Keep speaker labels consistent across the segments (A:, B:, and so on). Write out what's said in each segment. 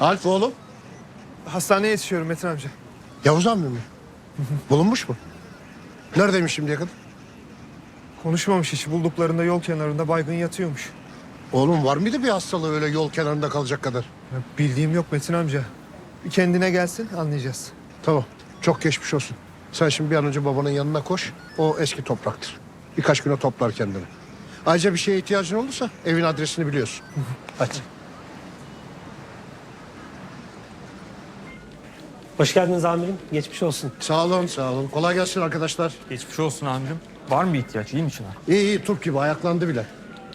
A: Alp oğlum.
B: Hastaneye yetişiyorum Metin amca.
A: Yavuz amca mı? Bulunmuş mu? Neredeymiş şimdiye kadar?
B: Konuşmamış hiç. Bulduklarında yol kenarında baygın yatıyormuş.
A: Oğlum var mıydı bir hastalığı öyle yol kenarında kalacak kadar?
B: Ya bildiğim yok Metin amca. Bir kendine gelsin anlayacağız.
A: Tamam. Çok geçmiş olsun. Sen şimdi bir an önce babanın yanına koş. O eski topraktır. Birkaç güne toplar kendini. Ayrıca bir şeye ihtiyacın olursa evin adresini biliyorsun. Hadi.
C: Hoş geldiniz amirim. Geçmiş olsun.
A: Sağ olun, sağ olun. Kolay gelsin arkadaşlar.
D: Geçmiş olsun amirim. Var mı bir ihtiyaç? İyi mi Çınar?
A: İyi iyi, turp gibi ayaklandı bile.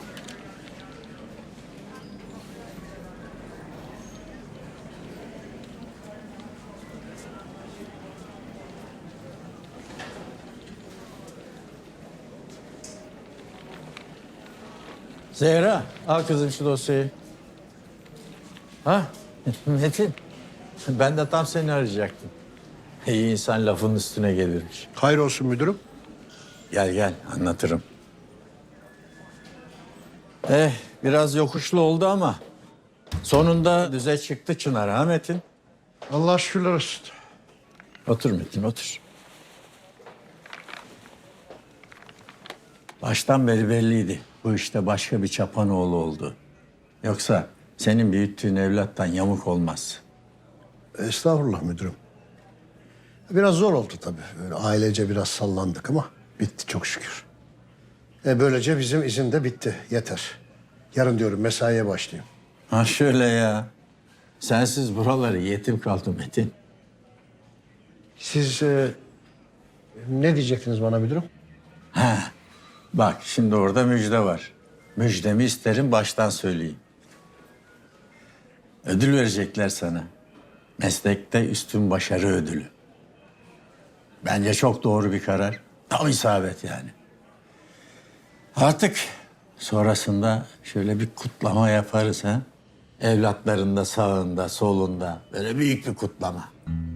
E: Zehra, al kızım şu dosyayı. Ha, Metin. Ben de tam seni arayacaktım. İyi insan lafın üstüne gelirmiş.
A: Hayır olsun müdürüm.
E: Gel gel, anlatırım. Biraz yokuşlu oldu ama sonunda düze çıktı Çınar, ha Metin?
A: Allah şükürler olsun.
E: Otur Metin, otur. Baştan beri belliydi. Bu işte başka bir çapanoğlu oldu. Yoksa senin büyüttüğün evlattan yamuk olmaz.
A: Estağfurullah müdürüm. Biraz zor oldu tabii. Böyle ailece biraz sallandık ama bitti çok şükür. Böylece bizim izin de bitti. Yeter. Yarın diyorum mesaiye başlayayım.
E: Ha şöyle ya. Sensiz buraları yetim kaldı Metin.
A: Siz ne diyecektiniz bana müdürüm?
E: Bak şimdi orada müjde var. Müjdemi isterim baştan söyleyeyim. Ödül verecekler sana. Meslekte üstün başarı ödülü. Bence çok doğru bir karar. Tam isabet yani. Artık sonrasında şöyle bir kutlama yaparız ha. Evlatların da sağında, solunda. Böyle büyük bir kutlama.